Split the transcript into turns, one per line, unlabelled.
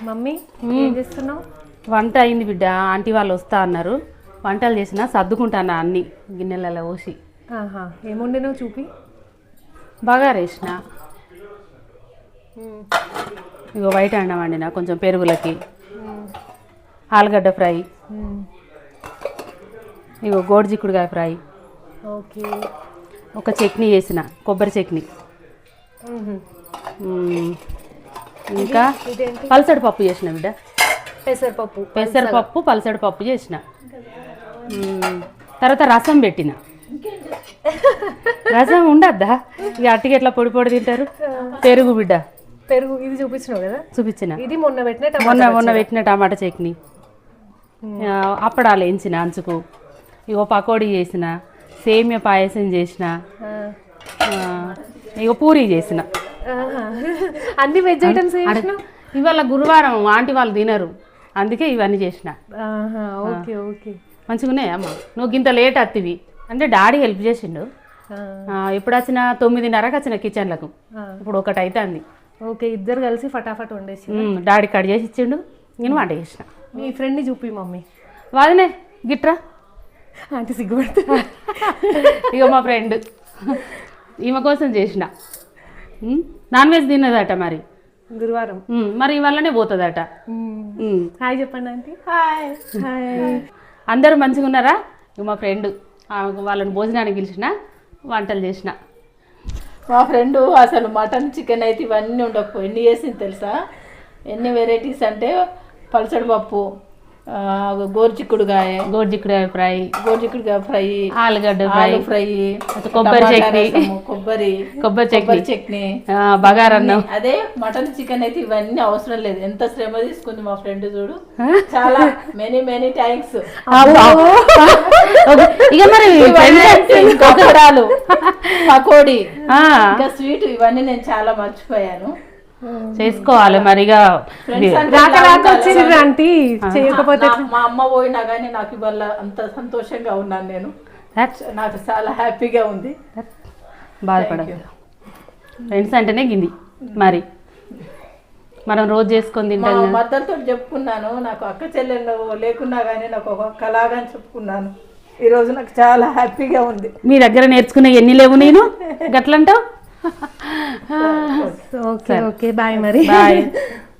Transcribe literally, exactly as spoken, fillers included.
Mummy ఏం చేస్తున్నావు?
వంట అయింది బిడ్డ. ఆంటీ వాళ్ళు వస్తా అన్నారు. వంటలు చేసిన సర్దుకుంటాను అన్ని గిన్నెలలో పోసి.
ఆహా ఏముండేనో చూపి.
బగారా వేసిన, ఇగో బయట అన్నం వండిన కొంచెం పెరుగులకి, ఆలుగడ్డ ఫ్రై, ఇగో గోడిచిక్కుడుకాయ ఫ్రై,
ఓకే,
ఒక చట్నీ చేసిన కొబ్బరి చట్నీ, ఇంకా పల్సడి పప్పు చేసిన బిడ్డ.
పెసరపప్పు
పెసరపప్పు పల్సడి పప్పు చేసిన. తర్వాత రసం పెట్టిన. రసం ఉండద్దా ఇక అట్టికి ఎట్లా పొడి పొడి తింటారు. పెరుగు బిడ్డ,
పెరుగు ఇది చూపించినావు కదా,
చూపించిన.
ఇది మొన్న పెట్టిన
మొన్న మొన్న పెట్టిన టమాటా చట్నీ, అప్పడాలు వేయించిన అంచుకు, ఇగో పకోడీ చేసిన, సేమియా పాయసం చేసిన, ఇగో పూరీ చేసిన.
అన్ని వెజ్ ఐటమ్స్.
ఇవాళ గురువారం ఆంటీ వాళ్ళు తినరు, అందుకే ఇవన్నీ చేసిన.
ఓకే ఓకే
మంచిగా ఉన్నాయి అమ్మ. నువ్వు ఇంత లేట్ అత్తివి అంటే డాడీ హెల్ప్ చేసిండు. ఎప్పుడు వచ్చిన తొమ్మిదిన్నరకు వచ్చిన కిచెన్లకు, ఇప్పుడు ఒకటి అవుతుంది.
ఓకే, ఇద్దరు కలిసి ఫటాఫట్ వండేసి
డాడీ కట్ చేసి ఇచ్చిండు, నేను వంట చేసిన.
మీ ఫ్రెండ్ని చూపి మమ్మీ.
వాదనే గిట్రా
అంటే సిగ్గుపడుతుంది.
ఇక మా ఫ్రెండ్ ఈమె కోసం చేసిన. నాన్ వెజ్ తిన్నదట మరి
గురువారం,
మరి ఇవాళనే పోతుందట.
హాయ్ చెప్పండి ఆంటీ.
Hi hi. అందరూ మంచిగా ఉన్నారా? మా ఫ్రెండ్ వాళ్ళని భోజనానికి పిలిచిన, వంటలు చేసిన.
మా ఫ్రెండు అసలు మటన్ చికెన్ అయితే ఇవన్నీ ఉండకపోయి ఎన్ని చేసింది తెలుసా? ఎన్ని వెరైటీస్ అంటే పల్సడి పప్పు, గోరుచిక్కుడుకాయ
గోరుచిక్కుడుకాయ ఫ్రై,
గోరుచిక్కుడుకాయ ఫ్రై,
ఆలుగడ్డ ఫ్రై
ఫ్రై,
కొబ్బరి చట్నీ,
కొబ్బరి
కొబ్బరి చట్నీ
చట్నీ,
బగారన్నం.
అదే మటన్ చికెన్ అయితే ఇవన్నీ అవసరం లేదు. ఎంత శ్రమ తీసుకుంది మా ఫ్రెండ్ చూడు. చాలా మెనీ మెనీ థ్యాంక్స్.
ఇక మరి
పకోడాలు, పకోడీ, ఇంకా స్వీట్, ఇవన్నీ నేను చాలా మర్చిపోయాను.
చేసుకోవాలి మరిగా.
ఆంటీ చేయకపోతే
మా అమ్మ పోయినా కానీ నాకు ఇవాళ అంత సంతోషంగా ఉన్నాను నేను. నాకు చాలా హ్యాపీగా ఉంది.
బాధపడదు, ఫ్రెండ్స్ అంటేనే గింది. మరి మనం రోజు చేసుకొని తింటాం.
మద్దతుతో చెప్పుకున్నాను, నాకు అక్క చెల్లెళ్ళు లేకున్నా కానీ నాకు ఒక అక్కలాగా చెప్పుకున్నాను. ఈరోజు నాకు చాలా హ్యాపీగా ఉంది.
మీ దగ్గర నేర్చుకునే ఎన్ని లేవు నేను గట్లంటావు.
ఓకే ఓకే బాయ్ మరి.
బాయ్.